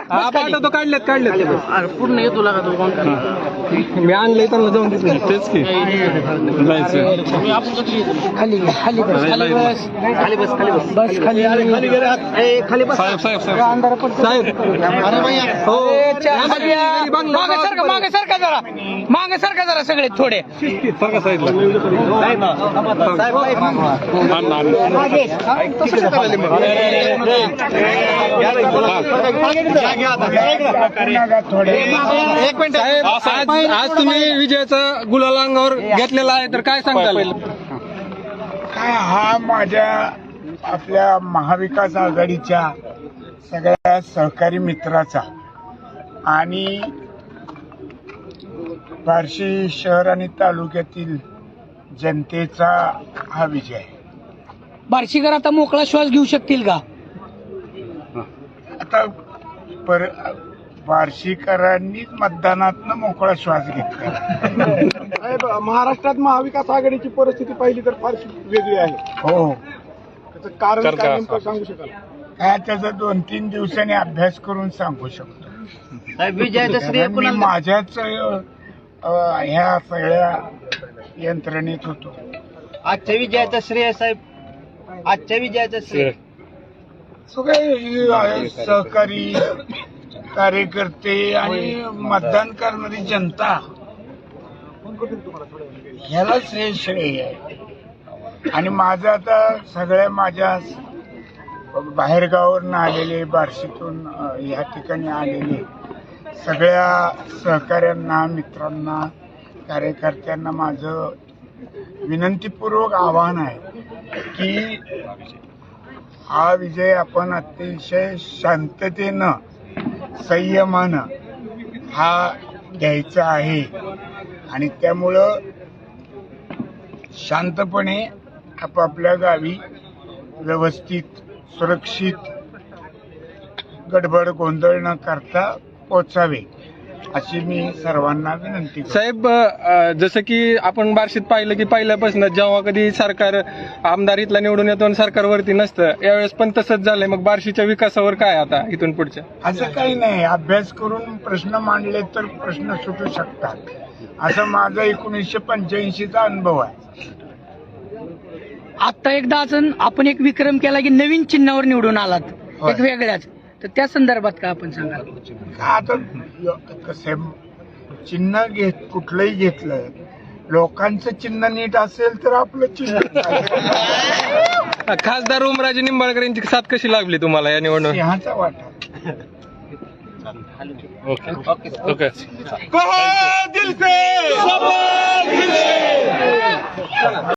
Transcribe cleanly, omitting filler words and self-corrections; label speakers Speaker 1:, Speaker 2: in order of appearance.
Speaker 1: तो काढलेत
Speaker 2: पूर्ण येतो लागा तो
Speaker 1: मी आणलंय त्यांना जाऊन देतो तेच की
Speaker 2: खाली खाली बस बस खाली बस
Speaker 1: साहेब
Speaker 2: अंधार पडतो
Speaker 1: साहेब हो
Speaker 2: मागे सरका जरा सगळे थोडे
Speaker 1: सांगा साईडला
Speaker 2: एक मिनिट
Speaker 1: साहेब आज तुम्ही विजयाचा गुलाल अंगावर घेतलेला आहे तर काय सांगताल?
Speaker 3: काय हा माझ्या आपल्या महाविकास आघाडीच्या सगळ्या सहकारी मित्राचा आणि बार्शी शहर आणि तालुक्यातील जनतेचा हा विजय आहे.
Speaker 2: बार्शीकर आता मोकळा श्वास घेऊ शकतील का?
Speaker 3: आता बार्शीकरांनीच मतदानातनं मोकळा श्वास घेतला.
Speaker 4: महाराष्ट्रात महाविकास आघाडीची परिस्थिती पाहिली तर फारशी वेगळी आहे.
Speaker 3: हो
Speaker 4: त्याचं कारण काय नेमकं सांगू शकाल?
Speaker 3: काय त्याचा 2-3 दिवसांनी अभ्यास करून सांगू शकतो. मी माझ्याच ह्या सगळ्या यंत्रणेत होतो.
Speaker 2: आजच्या विजयाचं श्रेय साहेब, आजच्या विजयाचं श्रेय
Speaker 3: सगळे सहकारी कार्यकर्ते आणि मतदान करणारी जनता ह्याला श्रेय आहे. आणि माझं आता सगळ्या माझ्या बाहेरगावावरून आलेले बार्शीतून ह्या ठिकाणी आलेले सगळ्या सहकाऱ्यांना मित्रांना कार्यकर्त्यांना माझं विनंतीपूर्वक आवाहन आहे की हा विजय आपण अतिशय शांततेनं संयमानं हा घ्यायचा आहे. आणि त्यामुळं शांतपणे आपापल्या गावी व्यवस्थित सुरक्षित गडबड गोंधळ न करता पोचावे अशी मी सर्वांना विनंती करतो.
Speaker 1: साहेब जसं की आपण बार्शीत पाहिलं की पहिल्यापासून जेव्हा कधी सरकार आमदार इथला निवडून येतो आणि सरकारवरती नसतं, यावेळेस पण तसंच झालंय. मग बार्शीच्या विकासावर काय आता इथून पुढच्या?
Speaker 3: असं काही नाही. अभ्यास करून प्रश्न मांडले तर प्रश्न सुटू शकतात. असं माझा 1985चा अनुभव आहे.
Speaker 2: आता एकदा अजून आपण एक विक्रम केला की नवीन चिन्हावर निवडून आलात,
Speaker 3: होय.
Speaker 2: एक वेगळ्याच. तर त्या संदर्भात काय आपण सांगाल?
Speaker 3: आता कसं चिन्ह कुठलंही घेतलं, लोकांचं चिन्ह नीट असेल तर आपलं चिन्ह
Speaker 1: खासदार ओमराजे निंबाळकरांची साथ कशी लागली तुम्हाला या निवडणुकीत?
Speaker 3: सिंहाचा वाटा.
Speaker 1: ओके